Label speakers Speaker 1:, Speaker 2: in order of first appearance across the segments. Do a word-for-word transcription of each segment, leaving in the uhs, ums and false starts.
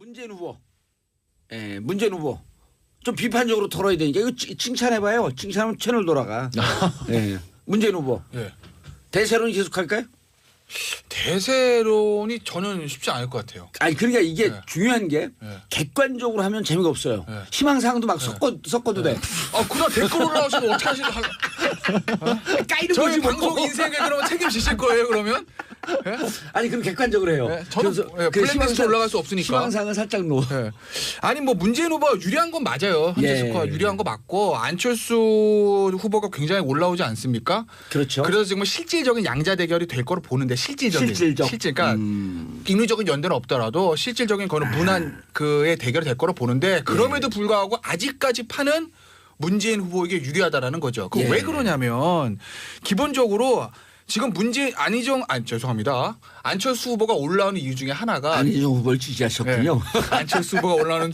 Speaker 1: 문재인 후보, 예, 문재인 후보 좀 비판적으로 털어야 되니까 이거 칭찬해봐요. 칭찬하면 채널 돌아가. 예, 문재인 후보
Speaker 2: 예.
Speaker 1: 대세론 계속할까요?
Speaker 2: 대세론이 저는 쉽지 않을 것 같아요.
Speaker 1: 아니 그러니까 이게
Speaker 2: 네.
Speaker 1: 중요한 게
Speaker 2: 네.
Speaker 1: 객관적으로 하면 재미가 없어요.
Speaker 2: 네.
Speaker 1: 희망사항도 막 섞어 섞어도 돼.
Speaker 2: 아, 그날 댓글 올라오시면 어떻게 하시는 거?
Speaker 1: 까이는
Speaker 2: 저희
Speaker 1: 거지 뭐.
Speaker 2: 방송 인생에 그러면 책임지실 거예요, 그러면? 예?
Speaker 1: 아니 그럼 객관적으로 해요.
Speaker 2: 네, 저는
Speaker 1: 그래서
Speaker 2: 예,
Speaker 1: 그
Speaker 2: 플랫리스트
Speaker 1: 희망사항-
Speaker 2: 올라갈 수 없으니까.
Speaker 1: 희망사항은 살짝 놓아.
Speaker 2: 예. 아니 뭐 문재인 후보가 유리한 건 맞아요. 현재
Speaker 1: 예.
Speaker 2: 스코어 유리한 거 맞고 안철수 후보가 굉장히 올라오지 않습니까?
Speaker 1: 그렇죠.
Speaker 2: 그래서 지금 실질적인 양자 대결이 될 거로 보는데 실질적인
Speaker 1: 실질적.
Speaker 2: 실질 그러니까
Speaker 1: 음.
Speaker 2: 인위적인 연대는 없더라도 실질적인 거는 무난 그의 대결이 될 거로 보는데 그럼에도 불구하고 아직까지 파는 문재인 후보에게 유리하다라는 거죠. 그
Speaker 1: 예.
Speaker 2: 왜 그러냐면 기본적으로 지금 문재인 안희정 아 죄송합니다. 안철수 후보가 올라오는 이유 중에 하나가
Speaker 1: 안희정 후보를 지지하셨군요.
Speaker 2: 예. 안철수 후보가 올라오는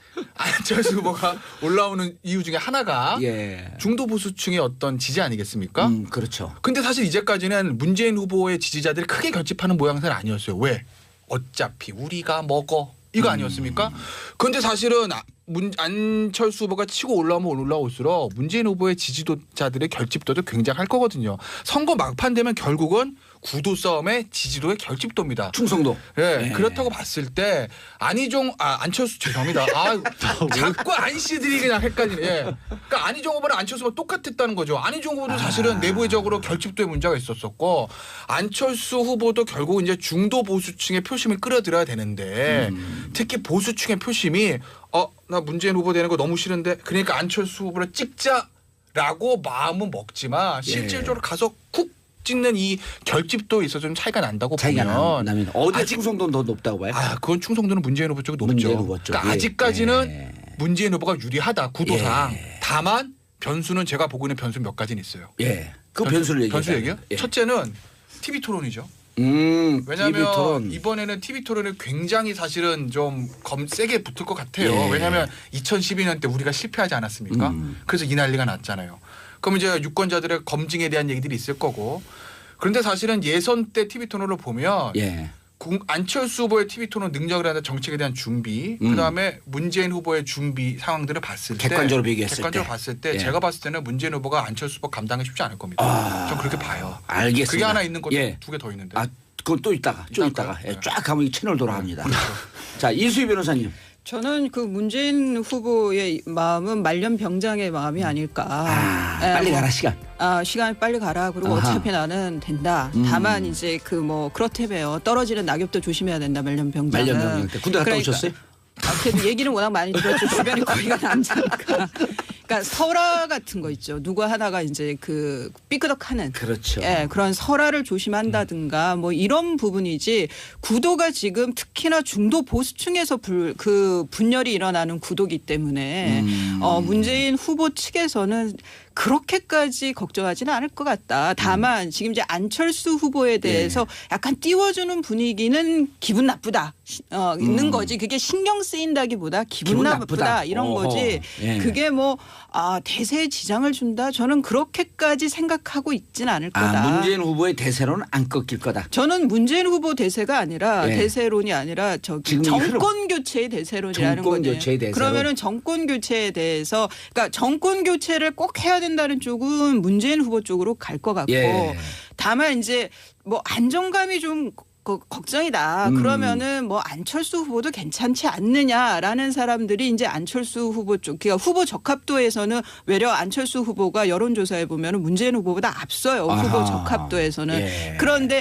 Speaker 2: 안철수 후보가 올라오는 이유 중에 하나가
Speaker 1: 예.
Speaker 2: 중도 보수층의 어떤 지지 아니겠습니까?
Speaker 1: 음, 그렇죠.
Speaker 2: 근데 사실 이제까지는 문재인 후보의 지지자들이 크게 결집하는 모양새는 아니었어요. 왜? 어차피 우리가 먹어. 이거 아니었습니까? 그런데 사실은 아- 문, 안철수 후보가 치고 올라오면 올라올수록 문재인 후보의 지지도자들의 결집도도 굉장할 거거든요. 선거 막판 되면 결국은 구도 싸움의 지지도의 결집도입니다.
Speaker 1: 충성도.
Speaker 2: 예,
Speaker 1: 예.
Speaker 2: 그렇다고 봤을 때 안희종 아 안철수 죄송합니다. 아 자꾸 안 씨들이 그냥 헷갈리네. 예. 그러니까 안희종 후보랑 안철수 후보 똑같았다는 거죠. 안희종 후보도 사실은
Speaker 1: 아.
Speaker 2: 내부적으로 결집도에 문제가 있었었고 안철수 후보도 결국 이제 중도 보수층의 표심을 끌어들여야 되는데
Speaker 1: 음.
Speaker 2: 특히 보수층의 표심이 어 나 문재인 후보 되는 거 너무 싫은데 그러니까 안철수 후보를 찍자라고 마음은 먹지만 실질적으로 가서 쿡 찍는 이 결집도에 있어서 좀 차이가 난다고
Speaker 1: 차이가
Speaker 2: 보면
Speaker 1: 나면 어디
Speaker 2: 아직-
Speaker 1: 충성도는 더 높다고 봐요?
Speaker 2: 아, 그건 충성도는 문재인 후보 쪽이 높죠.
Speaker 1: 문재인 후보 쪽이.
Speaker 2: 그러니까 아직까지는
Speaker 1: 예.
Speaker 2: 문재인 후보가 유리하다 구도상.
Speaker 1: 예.
Speaker 2: 다만 변수는 제가 보고 있는 변수 몇 가지는 있어요.
Speaker 1: 예. 그 변수를 얘기해.
Speaker 2: 변수 얘기요? 첫째는 티비 토론이죠.
Speaker 1: 음.
Speaker 2: 왜냐하면
Speaker 1: 티비 토론.
Speaker 2: 이번에는 티비 토론이 굉장히 사실은 좀 검 세게 붙을 것 같아요.
Speaker 1: 예.
Speaker 2: 왜냐하면 이천십이 년 때 우리가 실패하지 않았습니까?
Speaker 1: 음.
Speaker 2: 그래서 이 난리가 났잖아요. 그럼 이제 유권자들의 검증에 대한 얘기들이 있을 거고. 그런데 사실은 예선 때 티비 토론을 보면
Speaker 1: 예.
Speaker 2: 공- 안철수 후보의 티비 토론 능력을 하는 정책에 대한 준비,
Speaker 1: 음.
Speaker 2: 그다음에 문재인 후보의 준비 상황들을 봤을 때
Speaker 1: 객관적으로 비교했을
Speaker 2: 객관적으로
Speaker 1: 때.
Speaker 2: 봤을 때
Speaker 1: 예.
Speaker 2: 제가 봤을 때는 문재인 후보가 안철수 후보 감당이 쉽지 않을 겁니다.
Speaker 1: 아.
Speaker 2: 전 그렇게 봐요.
Speaker 1: 알겠습니다.
Speaker 2: 그게 하나 있는 것도
Speaker 1: 예.
Speaker 2: 두 개 더 있는데.
Speaker 1: 아, 그건 또 있다가 좀
Speaker 2: 이따가요?
Speaker 1: 있다가 예,
Speaker 2: 네.
Speaker 1: 쫙 가면 이 채널 돌아갑니다. 자, 이수희 변호사님.
Speaker 3: 저는 그 문재인 후보의 마음은 말년병장의 마음이 아닐까.
Speaker 1: 아,
Speaker 3: 예,
Speaker 1: 빨리
Speaker 3: 뭐,
Speaker 1: 가라 시간.
Speaker 3: 아, 시간 빨리 가라. 그리고
Speaker 1: 아하.
Speaker 3: 어차피 나는 된다.
Speaker 1: 음.
Speaker 3: 다만 이제 그 뭐 그렇다며요. 떨어지는 낙엽도 조심해야 된다. 말년병장은.
Speaker 1: 말년병장 때 군대 갔다
Speaker 3: 그러니까,
Speaker 1: 오셨어요?
Speaker 3: 아, 그래도 얘기는 워낙 많이 들었죠. 주변에 거리가 남자니까. 그러니까 설화 같은 거 있죠. 누구 하나가 이제 그 삐끄덕하는.
Speaker 1: 그렇죠.
Speaker 3: 예, 그런 설화를 조심한다든가 뭐 이런 부분이지 구도가 지금 특히나 중도 보수층에서 불, 그 분열이 일어나는 구도기 때문에
Speaker 1: 음.
Speaker 3: 어, 문재인 후보 측에서는 그렇게까지 걱정하지는 않을 것 같다. 다만 지금 이제 안철수 후보에 대해서
Speaker 1: 예.
Speaker 3: 약간 띄워주는 분위기는 기분 나쁘다. 어, 있는
Speaker 1: 음.
Speaker 3: 거지. 그게 신경 쓰인다기보다 기분,
Speaker 1: 기분
Speaker 3: 나쁘다.
Speaker 1: 나쁘다.
Speaker 3: 이런
Speaker 1: 어허.
Speaker 3: 거지.
Speaker 1: 예.
Speaker 3: 그게 뭐 아, 대세에 지장을 준다. 저는 그렇게까지 생각하고 있지는 않을 거다.
Speaker 1: 아, 문재인 후보의 대세로는 안 꺾일 거다.
Speaker 3: 저는 문재인 후보 대세가 아니라
Speaker 1: 예.
Speaker 3: 대세론이 아니라 저기
Speaker 1: 지금 이 흐름.
Speaker 3: 정권 교체의 대세론이라는
Speaker 1: 정권
Speaker 3: 거네요.
Speaker 1: 교체의 대세론.
Speaker 3: 그러면은 정권 교체에 대해서 그러니까 정권 교체를 꼭 해야 된다는 쪽은 문재인 후보 쪽으로 갈 것 같고
Speaker 1: 예.
Speaker 3: 다만 이제 뭐 안정감이 좀 그 걱정이다.
Speaker 1: 음.
Speaker 3: 그러면은 뭐 안철수 후보도 괜찮지 않느냐라는 사람들이 이제 안철수 후보 쪽, 그러니까 후보 적합도에서는 외려 안철수 후보가 여론조사에 보면은 문재인 후보보다 앞서요.
Speaker 1: 아하.
Speaker 3: 후보 적합도에서는.
Speaker 1: 예.
Speaker 3: 그런데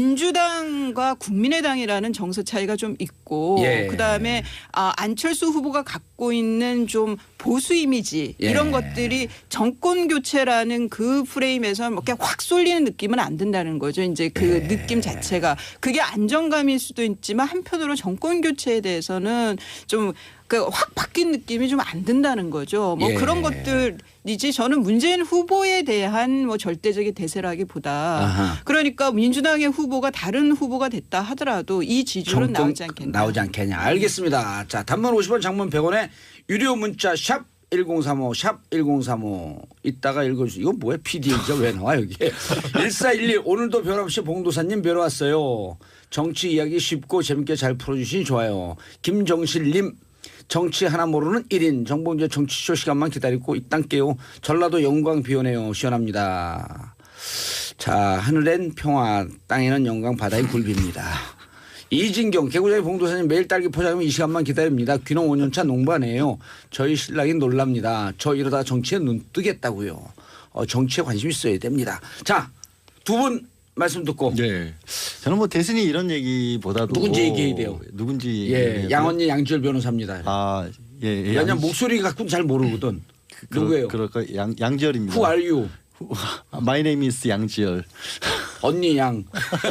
Speaker 3: 민주당과 국민의당이라는 정서 차이가 좀 있고
Speaker 1: 예.
Speaker 3: 그다음에 아, 안철수 후보가 갖고 있는 좀 보수 이미지
Speaker 1: 예.
Speaker 3: 이런 것들이 정권 교체라는 그 프레임에서 뭐 이렇게 확 쏠리는 느낌은 안 든다는 거죠. 이제 그
Speaker 1: 예.
Speaker 3: 느낌 자체가 그게 안정감일 수도 있지만 한편으로 정권 교체에 대해서는 좀 그 확 바뀐 느낌이 좀 안 든다는 거죠. 뭐
Speaker 1: 예.
Speaker 3: 그런 것들이지 저는 문재인 후보에 대한 뭐 절대적인 대세라기보다
Speaker 1: 아하.
Speaker 3: 그러니까 민주당의 후보가 다른 후보가 됐다 하더라도 이 지지율은
Speaker 1: 정권
Speaker 3: 나오지 않겠나.
Speaker 1: 나오지 않겠냐. 알겠습니다. 자, 단문 오십 원, 장문 백 원에 유료 문자 샵 일공삼오 샵 일공삼오 이따가 읽어주세요. 이건 뭐야? 피디이죠. 왜 나와 여기. 일사일일 오늘도 변함없이 봉도사님 뵈러 왔어요. 정치 이야기 쉽고 재밌게 잘 풀어주시니 좋아요. 김정실님 정치 하나 모르는 일 인 정봉재 정치쇼 시간만 기다리고 있단께요. 전라도 영광 비 오네요. 시원합니다. 자 하늘엔 평화 땅에는 영광 바다엔 굴비입니다. 이진경 개구장의 봉도사님 매일 딸기 포장하면 이 시간만 기다립니다. 귀농 오 년차 농부네요. 저희 신랑이 놀랍니다. 저 이러다 정치에 눈 뜨겠다고요. 어, 정치에 관심 있어야 됩니다. 자 두 분 말씀 듣고
Speaker 4: 네. 저는 뭐 대선이 이런 얘기보다도
Speaker 1: 누군지 얘기해야 돼요.
Speaker 4: 누군지
Speaker 1: 예, 양언니 양지열 변호사입니다.
Speaker 4: 아, 예, 예.
Speaker 1: 왜냐면
Speaker 4: 양-
Speaker 1: 목소리 갖고는 잘 모르거든.
Speaker 4: 그,
Speaker 1: 누구예요?
Speaker 4: 그럴까 양 양지열입니다.
Speaker 1: Who are you?
Speaker 4: My name is 양지열.
Speaker 1: 언니 양.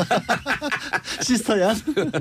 Speaker 4: 시스터 양.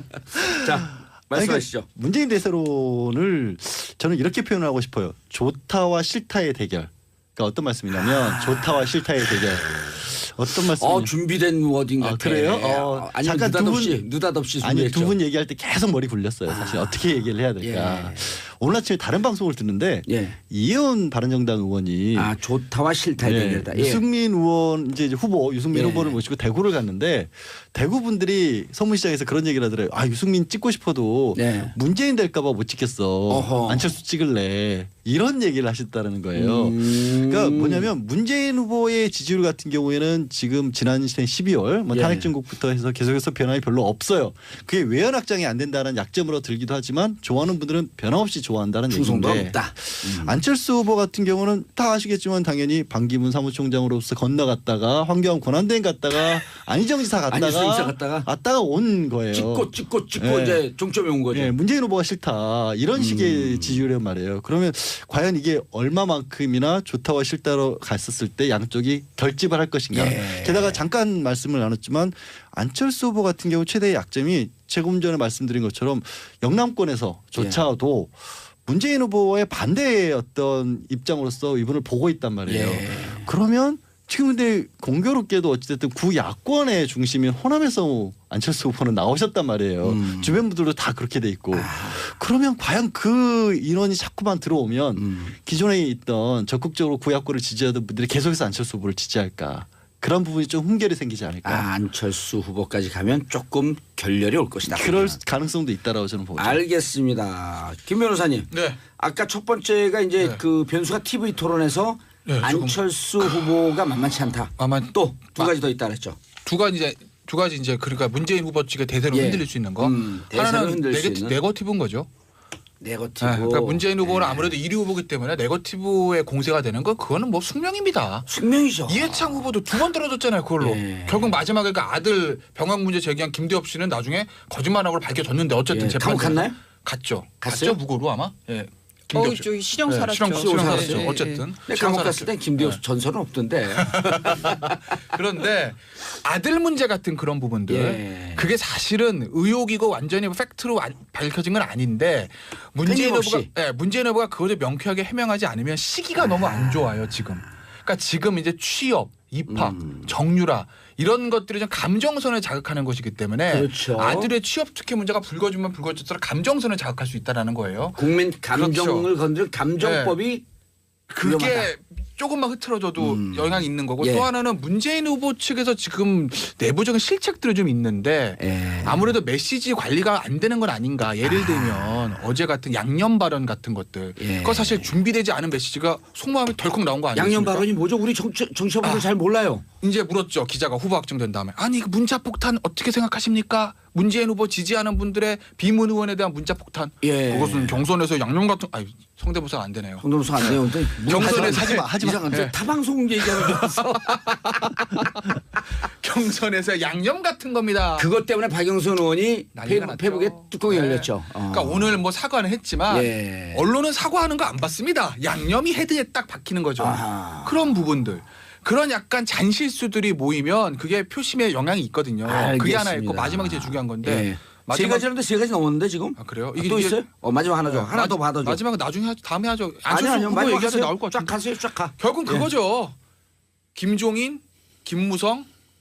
Speaker 1: 자 말씀하시죠.
Speaker 4: 아니, 그러니까 문재인 대세론을 저는 이렇게 표현하고 싶어요. 좋다와 싫다의 대결. 그러니까 어떤 말씀이냐면 좋다와 싫다의 대결. 어떤 말씀?
Speaker 1: 어 준비된 워딩
Speaker 4: 아,
Speaker 1: 같아.
Speaker 4: 그래요? 어,
Speaker 1: 아니
Speaker 4: 잠깐 두 분-
Speaker 1: 느닷없이 느닷없이
Speaker 4: 아니
Speaker 1: 준비했죠.
Speaker 4: 두 분 얘기할 때 계속 머리 굴렸어요. 사실
Speaker 1: 아.
Speaker 4: 어떻게 얘기를 해야 될까.
Speaker 1: 예.
Speaker 4: 오늘 아침에 다른 방송을 듣는데
Speaker 1: 예.
Speaker 4: 이혜원 바른정당 의원이
Speaker 1: 아 좋다와 싫다의
Speaker 4: 예,
Speaker 1: 대결이다. 예.
Speaker 4: 유승민 의원 이제 후보 유승민
Speaker 1: 예.
Speaker 4: 후보를 모시고 대구를 갔는데 대구 분들이 서문시장에서 그런 얘기를 하더래요. 아 유승민 찍고 싶어도
Speaker 1: 네.
Speaker 4: 문재인 될까봐 못 찍겠어.
Speaker 1: 어허.
Speaker 4: 안철수 찍을래. 이런 얘기를 하셨다는 거예요.
Speaker 1: 음.
Speaker 4: 그러니까 뭐냐면 문재인 후보의 지지율 같은 경우에는 지금 지난 십이월 뭐
Speaker 1: 예.
Speaker 4: 탄핵 정국부터 해서 계속해서 변화가 별로 없어요. 그게 외연 확장이 안 된다는 약점으로 들기도 하지만 좋아하는 분들은 변함없이 좋아한다는
Speaker 1: 충성도
Speaker 4: 얘기인데
Speaker 1: 없다. 음.
Speaker 4: 안철수 후보 같은 경우는 다 아시겠지만 당연히 반기문 사무총장으로서 건너갔다가 황교안 권한대행 갔다가 안희정 지사
Speaker 1: 안희정 지사
Speaker 4: 갔다가
Speaker 1: 갔다가
Speaker 4: 왔다가 온 거예요.
Speaker 1: 찍고 찍고 찍고
Speaker 4: 예.
Speaker 1: 이제 종점에 온 거죠.
Speaker 4: 예, 문재인 후보가 싫다 이런 식의
Speaker 1: 음.
Speaker 4: 지지율이란 말이에요. 그러면 과연 이게 얼마만큼이나 좋다와 싫다로 갔었을 때 양쪽이 결집을 할 것인가.
Speaker 1: 예.
Speaker 4: 게다가 잠깐 말씀을 나눴지만 안철수 후보 같은 경우 최대의 약점이 조금 전에 말씀드린 것처럼 영남권에서조차도 문재인 후보의 반대의 어떤 입장으로서 이분을 보고 있단 말이에요.
Speaker 1: 예.
Speaker 4: 그러면 지금 근데 공교롭게도 어찌됐든 구야권의 중심인 호남에서 안철수 후보는 나오셨단 말이에요.
Speaker 1: 음.
Speaker 4: 주변 분들도 다 그렇게 돼 있고. 그러면 과연 그 인원이 자꾸만 들어오면
Speaker 1: 음.
Speaker 4: 기존에 있던 적극적으로 구야권을 지지하던 분들이 계속해서 안철수 후보를 지지할까. 그런 부분이 좀 훈결이 생기지 않을까.
Speaker 1: 아, 안철수 후보까지 가면 조금 결렬이 올 것이다.
Speaker 4: 그럴 가능성도 있다라고 저는 보죠.
Speaker 1: 알겠습니다. 김 변호사님.
Speaker 2: 네.
Speaker 1: 아까 첫 번째가 이제
Speaker 2: 네.
Speaker 1: 그 변수가 티비 토론에서
Speaker 2: 네, 조금-
Speaker 1: 안철수 후보가 만만치 않다.
Speaker 2: 아마
Speaker 1: 또 두
Speaker 2: 아.
Speaker 1: 가지 더 있다 그랬죠.
Speaker 2: 두 가지 이제 두 가지 이제 그러니까 문재인 후보 측의 대세로
Speaker 1: 예.
Speaker 2: 흔들릴 수 있는 거.
Speaker 1: 음, 대세로
Speaker 2: 하나는
Speaker 1: 흔들 수
Speaker 2: 네거티,
Speaker 1: 있는.
Speaker 2: 네거티브인 거죠.
Speaker 1: 네거티브.
Speaker 2: 네, 그러니까 문재인 후보는
Speaker 1: 네.
Speaker 2: 아무래도 일 위 후보기 때문에 네거티브의 공세가 되는 거 그거는 뭐 숙명입니다.
Speaker 1: 숙명이죠.
Speaker 2: 이해창 후보도 두 번 떨어졌잖아요. 그걸로.
Speaker 1: 예.
Speaker 2: 결국 마지막에 그 아들 병역 문제 제기한 김대엽 씨는 나중에 거짓말하고 밝혀졌는데 어쨌든
Speaker 1: 예,
Speaker 2: 재판
Speaker 1: 감옥 갔나요?
Speaker 2: 갔죠.
Speaker 1: 갔어요?
Speaker 2: 갔죠 무고로 아마. 예.
Speaker 3: 어,
Speaker 2: 김대엽 씨.
Speaker 3: 저기 실형
Speaker 2: 네,
Speaker 3: 살았죠.
Speaker 2: 실형, 실형
Speaker 1: 네,
Speaker 2: 살았죠.
Speaker 1: 네,
Speaker 2: 어쨌든.
Speaker 1: 네,
Speaker 2: 실형
Speaker 1: 감옥
Speaker 2: 살았죠.
Speaker 1: 갔을 땐 김대엽
Speaker 2: 네.
Speaker 1: 전설은 없던데.
Speaker 2: 그런데 아들 문제 같은 그런 부분들
Speaker 1: 예.
Speaker 2: 그게 사실은 의혹이고 완전히 팩트로 안- 밝혀진 건 아닌데 문재인
Speaker 1: 끊임없이.
Speaker 2: 후보가 예, 문재인 후보가 그것을 명쾌하게 해명하지 않으면 시기가 너무 안 좋아요 지금. 그러니까 지금 이제 취업, 입학,
Speaker 1: 음.
Speaker 2: 정유라 이런 것들이 좀 감정선을 자극하는 것이기 때문에
Speaker 1: 그렇죠.
Speaker 2: 아들의 취업 특혜 문제가 불거지면 불거질수록 감정선을 자극할 수 있다라는 거예요.
Speaker 1: 국민 감정을 건드릴 감정법이
Speaker 2: 그게
Speaker 1: 위험하다.
Speaker 2: 조금만 흐트러져도
Speaker 1: 음.
Speaker 2: 영향이 있는 거고
Speaker 1: 예.
Speaker 2: 또 하나는 문재인 후보 측에서 지금 내부적인 실책들이 좀 있는데
Speaker 1: 예.
Speaker 2: 아무래도 메시지 관리가 안 되는 건 아닌가. 예를 들면 어제 같은 양념 발언 같은 것들.
Speaker 1: 예.
Speaker 2: 그거 사실 준비되지 않은 메시지가 속마음이 덜컥 나온 거 아니에요?
Speaker 1: 양념 발언이 뭐죠? 우리 정치, 정치자분들
Speaker 2: 아.
Speaker 1: 잘 몰라요.
Speaker 2: 이제 물었죠. 기자가 후보 확정된 다음에. 아니 그 문자 폭탄 어떻게 생각하십니까? 문재인 후보 지지하는 분들의 비문 의원에 대한 문자 폭탄.
Speaker 1: 예.
Speaker 2: 그것은 경선에서 양념 같은 아니 성대모사가 안 되네요.
Speaker 1: 성동수 안 돼요. 근데
Speaker 2: 경선에
Speaker 1: 하지 마,
Speaker 4: 하지 마, 하지 마.
Speaker 1: 이상한데
Speaker 2: 예.
Speaker 1: 타방송 얘기하는 줄 알았어.
Speaker 2: 경선에서 양념 같은 겁니다.
Speaker 1: 그것 때문에 박영선 의원이
Speaker 2: 난리가 났죠.
Speaker 1: 페북, 페북에 뚜껑이
Speaker 2: 네.
Speaker 1: 열렸죠. 어.
Speaker 2: 그러니까 오늘 뭐 사과는 했지만
Speaker 1: 예.
Speaker 2: 언론은 사과하는 거 안 받습니다. 양념이 헤드에 딱 박히는 거죠.
Speaker 1: 아하.
Speaker 2: 그런 부분들. 그런 약간 잔실수들이 모이면 그게 표심에 영향이 있거든요. 그게 하나 있고
Speaker 1: 알겠습니다.
Speaker 2: 마지막이 제일 중요한 건데.
Speaker 1: 예. 세
Speaker 2: 마지막
Speaker 1: 가지는데 세 가지 넘었는데 지금?
Speaker 2: 아, 그래요?
Speaker 1: 아, 또
Speaker 2: 이게-
Speaker 1: 있어요? 어 마지막 하나 줘.
Speaker 2: 네,
Speaker 1: 하나
Speaker 2: 마지-
Speaker 1: 더 받아줘.
Speaker 2: 마지막은 나중에 하죠. 다음에 하죠.
Speaker 1: 아니
Speaker 2: 안철수
Speaker 1: 아니요.
Speaker 2: 후보
Speaker 1: 마지막
Speaker 2: 얘기하다
Speaker 1: 하세요.
Speaker 2: 나올 것
Speaker 1: 쫙
Speaker 2: 같은데.
Speaker 1: 가세요. 쫙 가.
Speaker 2: 결국
Speaker 1: 예.
Speaker 2: 그거죠. 김종인, 김무성,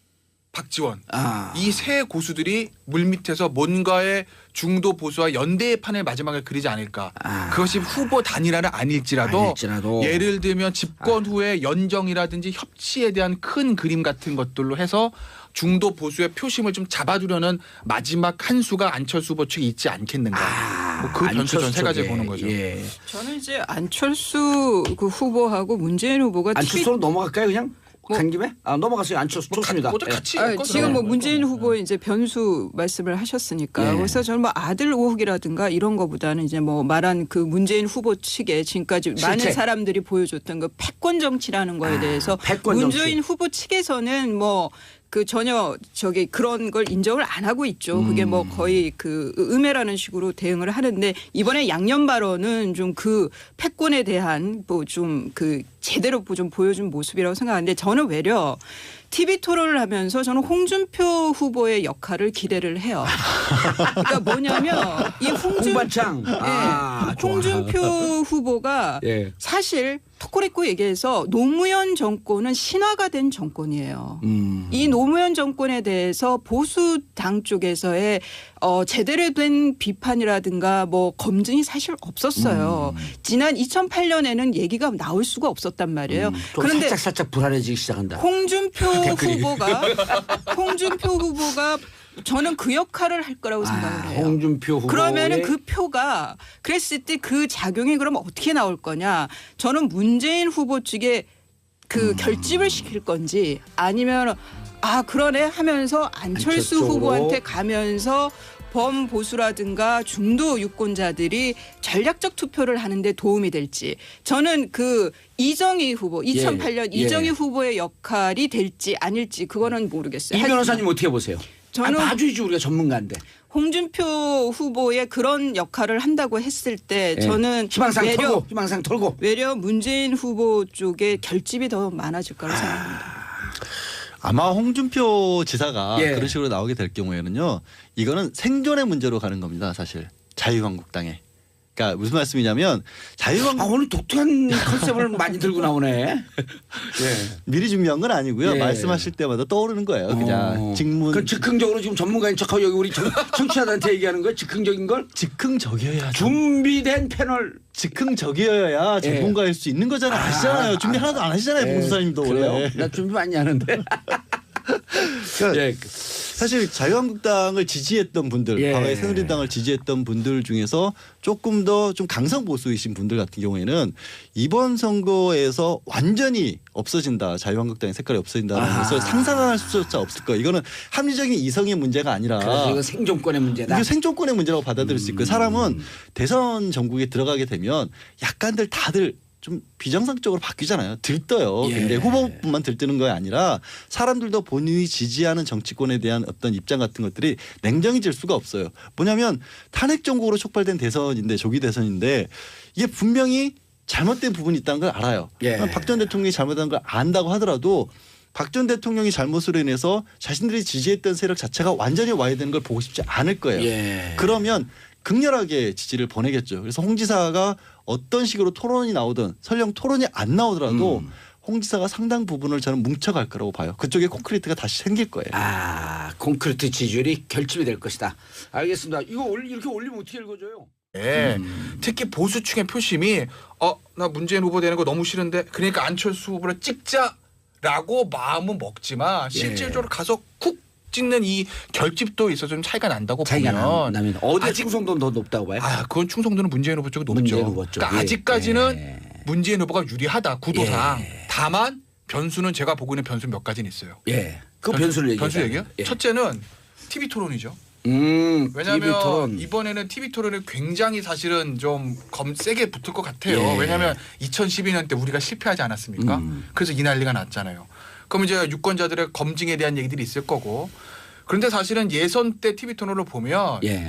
Speaker 2: 박지원
Speaker 1: 아.
Speaker 2: 이 세 고수들이 물밑에서 뭔가의 중도 보수와 연대의 판을 마지막에 그리지 않을까.
Speaker 1: 아.
Speaker 2: 그것이 후보 단일화는 아닐지라도,
Speaker 1: 아닐지라도.
Speaker 2: 예를 들면 집권 후에 연정이라든지 협치에 대한 큰 그림 같은 것들로 해서 중도 보수의 표심을 좀 잡아두려는 마지막 한 수가 안철수 후보 측에 있지 않겠는가.
Speaker 1: 아,
Speaker 2: 뭐그 변수 전 세 가지
Speaker 1: 쪽에.
Speaker 2: 보는 거죠.
Speaker 1: 예.
Speaker 3: 저는 이제 안철수 그 후보하고 문재인 후보가
Speaker 1: 안철수로 넘어갈까요 그냥?
Speaker 3: 뭐-
Speaker 1: 간 김에? 아 넘어갔어요. 안철수
Speaker 2: 뭐
Speaker 1: 좋습니다.
Speaker 2: 가-
Speaker 1: 예.
Speaker 2: 같이
Speaker 3: 아,
Speaker 2: 엮어서
Speaker 3: 지금 뭐
Speaker 2: 나오는
Speaker 3: 문재인
Speaker 2: 거죠.
Speaker 3: 후보의 이제 변수 말씀을 하셨으니까
Speaker 1: 예.
Speaker 3: 그래서 저는 뭐 아들 의혹이라든가 이런 거보다는 이제 뭐 말한 그 문재인 후보 측에 지금까지 많은
Speaker 1: 실책.
Speaker 3: 사람들이 보여줬던 그 패권 정치라는 거에
Speaker 1: 아,
Speaker 3: 대해서
Speaker 1: 패권
Speaker 3: 문재인
Speaker 1: 정치.
Speaker 3: 후보 측에서는 뭐 그 전혀 저기 그런 걸 인정을 안 하고 있죠. 그게 뭐 거의 그 음해라는 식으로 대응을 하는데 이번에 양념 발언은 좀 그 패권에 대한 뭐 좀 그 제대로 좀 보여준 모습이라고 생각하는데 저는 외려 티비 토론을 하면서 저는 홍준표 후보의 역할을 기대를 해요. 그러니까 뭐냐면 이 홍준,
Speaker 1: 홍반창.
Speaker 3: 예,
Speaker 1: 아, 좋아.
Speaker 3: 홍준표 후보가
Speaker 1: 예.
Speaker 3: 사실 토코레코 얘기해서 노무현 정권은 신화가 된 정권이에요.
Speaker 1: 음.
Speaker 3: 이 노무현 정권에 대해서 보수 당 쪽에서의 어, 제대로 된 비판이라든가 뭐 검증이 사실 없었어요.
Speaker 1: 음.
Speaker 3: 지난 이천팔 년에는 얘기가 나올 수가 없었단 말이에요.
Speaker 1: 음, 좀
Speaker 3: 그런데
Speaker 1: 살짝 살짝 불안해지기 시작한다.
Speaker 3: 홍준표
Speaker 1: 댓글이.
Speaker 3: 후보가 홍준표 후보가 저는 그 역할을 할 거라고 생각을
Speaker 1: 아,
Speaker 3: 해요.
Speaker 1: 홍준표 후보.
Speaker 3: 그러면은 그 표가 그랬을 때 그 작용이 그럼 어떻게 나올 거냐? 저는 문재인 후보 측에 그
Speaker 1: 음.
Speaker 3: 결집을 시킬 건지 아니면 아 그러네 하면서 안철수
Speaker 1: 안철 쪽으로.
Speaker 3: 후보한테 가면서 범보수라든가 중도 유권자들이 전략적 투표를 하는데 도움이 될지 저는 그 이정희 후보 이천팔 년
Speaker 1: 예.
Speaker 3: 이정희 후보의 역할이 될지 아닐지 그거는 모르겠어요.
Speaker 1: 이
Speaker 3: 하지만
Speaker 1: 변호사님 어떻게 보세요?
Speaker 3: 저는
Speaker 1: 아, 봐주지 우리가 전문가인데.
Speaker 3: 홍준표 후보의 그런 역할을 한다고 했을 때
Speaker 1: 예.
Speaker 3: 저는
Speaker 1: 희망상
Speaker 3: 외려
Speaker 1: 털고 희망상 털고.
Speaker 3: 외려 문재인 후보 쪽에 결집이 더 많아질 거라고 생각합니다.
Speaker 4: 아마 홍준표 지사가
Speaker 1: 예.
Speaker 4: 그런 식으로 나오게 될 경우에는요. 이거는 생존의 문제로 가는 겁니다. 사실 자유한국당에. 그러니까 무슨 말씀이냐면 자유한국
Speaker 1: 아 오늘 독특한 컨셉을 많이 들고 나오네. 예.
Speaker 4: 미리 준비한 건 아니고요.
Speaker 1: 예.
Speaker 4: 말씀하실 때마다 떠오르는 거예요. 그냥
Speaker 1: 어.
Speaker 4: 직문
Speaker 1: 그 즉흥적으로 지금 전문가인 척하고 여기 우리 청- 청취자들한테 얘기하는 거예요. 즉흥적인 걸
Speaker 4: 즉흥적이어야
Speaker 1: 준비된 패널.
Speaker 4: 즉흥적이어야
Speaker 1: 예.
Speaker 4: 전문가일 수 있는 거잖아요.
Speaker 1: 아,
Speaker 4: 아시잖아요. 준비
Speaker 1: 아,
Speaker 4: 하나도 안 하시잖아요.
Speaker 1: 예,
Speaker 4: 봉수사님도
Speaker 1: 그래요?
Speaker 4: 원래.
Speaker 1: 나 준비 많이 하는데.
Speaker 4: 그러니까
Speaker 1: 예.
Speaker 4: 사실 자유한국당을 지지했던 분들,
Speaker 1: 예.
Speaker 4: 과거에 새누리당을 지지했던 분들 중에서 조금 더 좀 강성 보수이신 분들 같은 경우에는 이번 선거에서 완전히 없어진다, 자유한국당의 색깔이 없어진다는
Speaker 1: 아.
Speaker 4: 것을 상상할 수조차 없을 거예요. 이거는 합리적인 이성의 문제가 아니라
Speaker 1: 그래서 이거 생존권의 문제다.
Speaker 4: 이게 생존권의 문제라고 받아들일 수 있고요. 사람은 대선 전국에 들어가게 되면 약간들 다들 좀 비정상적으로 바뀌잖아요. 들떠요.
Speaker 1: 예.
Speaker 4: 근데 후보뿐만 들뜨는 거 아니라 사람들도 본인이 지지하는 정치권에 대한 어떤 입장 같은 것들이 냉정해질 수가 없어요. 뭐냐면 탄핵 정국으로 촉발된 대선인데 조기 대선인데 이게 분명히 잘못된 부분이 있다는 걸 알아요.
Speaker 1: 예.
Speaker 4: 박 전 대통령이 잘못한 걸 안다고 하더라도 박 전 대통령이 잘못으로 인해서 자신들이 지지했던 세력 자체가 완전히 와야 되는 걸 보고 싶지 않을 거예요.
Speaker 1: 예.
Speaker 4: 그러면 극렬하게 지지를 보내겠죠. 그래서 홍 지사가 어떤 식으로 토론이 나오든 설령 토론이 안 나오더라도
Speaker 1: 음.
Speaker 4: 홍 지사가 상당 부분을 저는 뭉쳐갈 거라고 봐요. 그쪽에 콘크리트가 다시 생길 거예요.
Speaker 1: 아 콘크리트 지지율이 결집이 될 것이다. 알겠습니다. 이거 올- 이렇게 올리면 어떻게 읽어줘요?
Speaker 2: 예.
Speaker 1: 음.
Speaker 2: 특히 보수층의 표심이 어 나 문재인 후보 되는 거 너무 싫은데 그러니까 안철수 후보를 찍자라고 마음은 먹지만 실질적으로 가서 쿡 찍는 이 결집도 있어서 좀 차이가 난다고
Speaker 1: 차이가
Speaker 2: 보면
Speaker 1: 나면 어디
Speaker 2: 아직-
Speaker 1: 충성도는 더 높다고 봐요?
Speaker 2: 아 그건 충성도는 문재인 후보 쪽이 높죠.
Speaker 1: 문재인 후보 쪽.
Speaker 2: 그러니까
Speaker 1: 예.
Speaker 2: 아직까지는
Speaker 1: 예.
Speaker 2: 문재인 후보가 유리하다 구도상.
Speaker 1: 예.
Speaker 2: 다만 변수는 제가 보고 있는 변수 몇 가지는 있어요.
Speaker 1: 예. 그 변수를 얘기해.
Speaker 2: 변수 얘기요? 첫째는 티비 토론이죠.
Speaker 1: 음.
Speaker 2: 왜냐하면
Speaker 1: 티비 토론.
Speaker 2: 이번에는 티비 토론이 굉장히 사실은 좀 검 세게 붙을 것 같아요.
Speaker 1: 예.
Speaker 2: 왜냐하면 이천십이 년 때 우리가 실패하지 않았습니까?
Speaker 1: 음.
Speaker 2: 그래서 이 난리가 났잖아요. 그럼 이제 유권자들의 검증에 대한 얘기들이 있을 거고. 그런데 사실은 예선 때 티비 토론을 보면
Speaker 1: 예.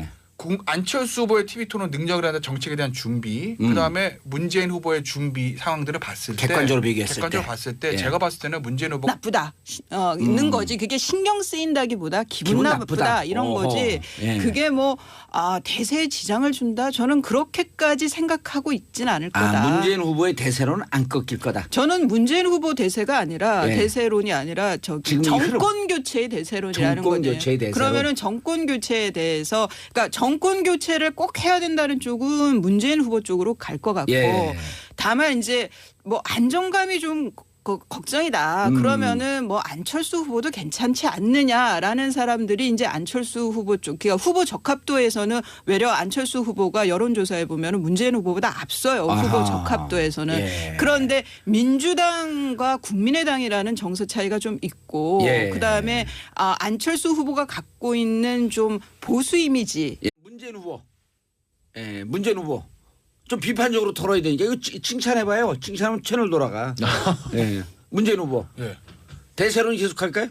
Speaker 2: 공- 안철수 후보의 티비 토론 능력을 하는 정책에 대한 준비,
Speaker 1: 음.
Speaker 2: 그다음에 문재인 후보의 준비 상황들을 봤을 때
Speaker 1: 객관적으로 비교했을
Speaker 2: 객관적으로
Speaker 1: 때.
Speaker 2: 봤을 때
Speaker 1: 예.
Speaker 2: 제가 봤을 때는 문재인 후보
Speaker 3: 나쁘다 어, 있는 거지. 그게 신경 쓰인다기보다 기분,
Speaker 1: 기분
Speaker 3: 나쁘다,
Speaker 1: 나쁘다.
Speaker 3: 이런
Speaker 1: 어허.
Speaker 3: 거지.
Speaker 1: 예.
Speaker 3: 그게 뭐 아, 대세에 지장을 준다. 저는 그렇게까지 생각하고 있진 않을 거다.
Speaker 1: 아, 문재인 후보의 대세로는 안 꺾일 거다.
Speaker 3: 저는 문재인 후보 대세가 아니라
Speaker 1: 예.
Speaker 3: 대세론이 아니라 저기
Speaker 1: 지금 이
Speaker 3: 정권 교체의 대세론이라는
Speaker 1: 정권
Speaker 3: 거죠.
Speaker 1: 교체의 대세론.
Speaker 3: 그러면은 정권 교체에 대해서 그러니까 정권 교체를 꼭 해야 된다는 쪽은 문재인 후보 쪽으로 갈 것 같고
Speaker 1: 예.
Speaker 3: 다만 이제 뭐 안정감이 좀 거- 걱정이다.
Speaker 1: 음.
Speaker 3: 그러면은 뭐 안철수 후보도 괜찮지 않느냐라는 사람들이 이제 안철수 후보 쪽, 그러니까 후보 적합도에서는 외려 안철수 후보가 여론조사에 보면은 문재인 후보보다 앞서요.
Speaker 1: 아하.
Speaker 3: 후보 적합도에서는.
Speaker 1: 예.
Speaker 3: 그런데 민주당과 국민의당이라는 정서 차이가 좀 있고,
Speaker 1: 예.
Speaker 3: 그 다음에 아, 안철수 후보가 갖고 있는 좀 보수 이미지.
Speaker 1: 예. 문재인 후보. 예, 문재인 후보. 좀 비판적으로 털어야 되니까 이거 치- 칭찬해봐요. 칭찬하면 채널 돌아가. 예. 문재인 후보.
Speaker 2: 예.
Speaker 1: 대세론 계속할까요?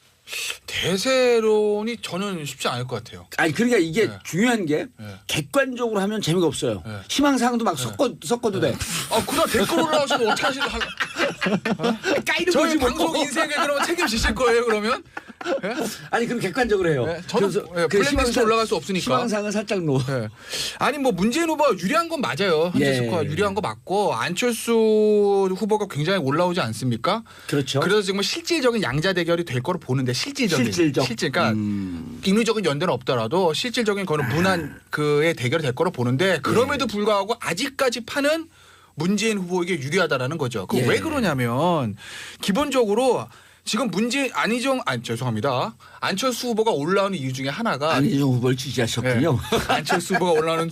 Speaker 2: 대세론이 저는 쉽지 않을 것 같아요.
Speaker 1: 아니 그러니까 이게
Speaker 2: 네.
Speaker 1: 중요한 게
Speaker 2: 네.
Speaker 1: 객관적으로 하면 재미가 없어요.
Speaker 2: 네.
Speaker 1: 희망사항도 막 섞어 섞어도 돼.
Speaker 2: 아, 그럼 댓글 올라오시면 어떻게 하실 할
Speaker 1: 까이는
Speaker 2: 저희
Speaker 1: 거지 뭐.
Speaker 2: 방송 인생에 그러면 책임지실 거예요, 그러면? 예?
Speaker 1: 아니 그럼 객관적으로 해요.
Speaker 2: 네, 저는 예,
Speaker 1: 그
Speaker 2: 블랙리스트
Speaker 1: 희망사항-
Speaker 2: 올라갈 수 없으니까.
Speaker 1: 희망사항은 살짝 놓.
Speaker 2: 예. 아니 뭐 문재인 후보가 유리한 건 맞아요. 한재수
Speaker 1: 예.
Speaker 2: 후보가 유리한 거 맞고 안철수 후보가 굉장히 올라오지 않습니까?
Speaker 1: 그렇죠.
Speaker 2: 그래서 지금 실질적인 양자 대결이 될 거로 보는데 실질적인
Speaker 1: 실질적.
Speaker 2: 실질 그러니까
Speaker 1: 음.
Speaker 2: 인위적인 연대는 없더라도 실질적인 거는 무난 그의 대결이 될 거로 보는데 그럼에도 불구하고 아직까지 판은 문재인 후보에게 유리하다라는 거죠. 그
Speaker 1: 예.
Speaker 2: 왜 그러냐면 기본적으로 지금 문재인 안희정 아 죄송합니다. 안철수 후보가 올라오는 이유 중에 하나가
Speaker 1: 안희정 후보를 지지하셨군요.
Speaker 2: 예. 안철수 후보가 올라오는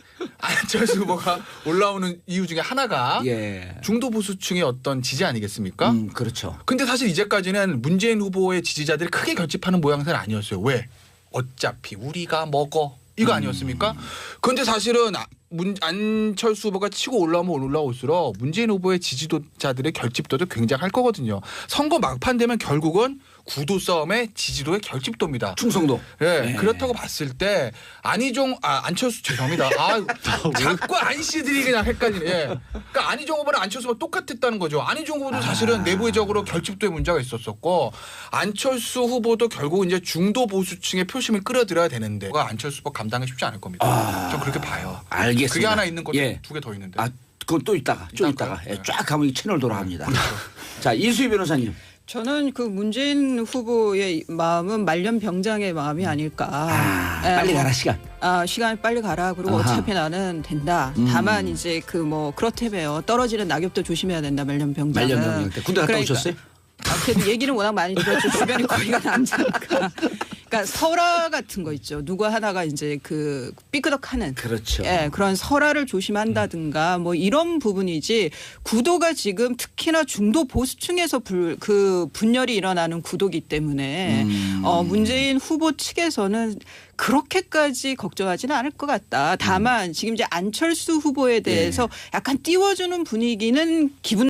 Speaker 2: 안철수 후보가 올라오는 이유 중에 하나가
Speaker 1: 예.
Speaker 2: 중도 보수층의 어떤 지지 아니겠습니까?
Speaker 1: 음, 그렇죠.
Speaker 2: 근데 사실 이제까지는 문재인 후보의 지지자들이 크게 결집하는 모양새는 아니었어요. 왜? 어차피 우리가 먹어. 이거 아니었습니까? 그런데 사실은 아- 문, 안철수 후보가 치고 올라오면 올라올수록 문재인 후보의 지지도자들의 결집도도 굉장할 거거든요. 선거 막판 되면 결국은 구도 싸움의 지지도의 결집도입니다.
Speaker 1: 충성도.
Speaker 2: 예,
Speaker 1: 예.
Speaker 2: 그렇다고 봤을 때 안희정 아 안철수 죄송합니다. 아 자꾸 안 씨들이 그냥 헷갈리네. 예. 그러니까 안희정 후보랑 안철수 후보가 똑같았다는 거죠. 안희정 후보도 사실은 내부적으로 결집도에 문제가 있었었고 안철수 후보도 결국 이제 중도 보수층의 표심을 끌어들여야 되는데 그거 안철수 후보 감당이 쉽지 않을 겁니다. 좀 그렇게 봐요.
Speaker 1: 알겠습니다.
Speaker 2: 그게 하나 있는 것도
Speaker 1: 예.
Speaker 2: 두 개 더 있는데.
Speaker 1: 아, 그건 또 있다가 좀
Speaker 2: 이따가?
Speaker 1: 있다가 예,
Speaker 2: 네.
Speaker 1: 쫙 가면 이 채널 돌아갑니다. 자 이수희 변호사님.
Speaker 3: 저는 그 문재인 후보의 마음은 말년병장의 마음이 아닐까.
Speaker 1: 아,
Speaker 3: 예,
Speaker 1: 빨리
Speaker 3: 뭐,
Speaker 1: 가라 시간.
Speaker 3: 아, 시간이 빨리 가라. 그리고
Speaker 1: 아하.
Speaker 3: 어차피 나는 된다.
Speaker 1: 음.
Speaker 3: 다만 이제 그 뭐 그렇다며요. 떨어지는 낙엽도 조심해야 된다. 말년병장은.
Speaker 1: 말년병장 때 군대 갔다
Speaker 3: 그러니까
Speaker 1: 오셨어요?
Speaker 3: 아, 그래도 얘기는 워낙 많이 들었죠. 주변에 거리가 남자니까. 그러니까 설화 같은 거 있죠. 누구 하나가 이제 그 삐끄덕하는.
Speaker 1: 그렇죠.
Speaker 3: 예, 그런 설화를 조심한다든가 뭐 이런 부분이지 구도가 지금 특히나 중도 보수층에서 불, 그 분열이 일어나는 구도기 때문에
Speaker 1: 음.
Speaker 3: 어, 문재인 후보 측에서는 그렇게까지 걱정하지는 않을 것 같다. 다만 지금 이제 안철수 후보에 대해서 약간 띄워주는 분위기는 기분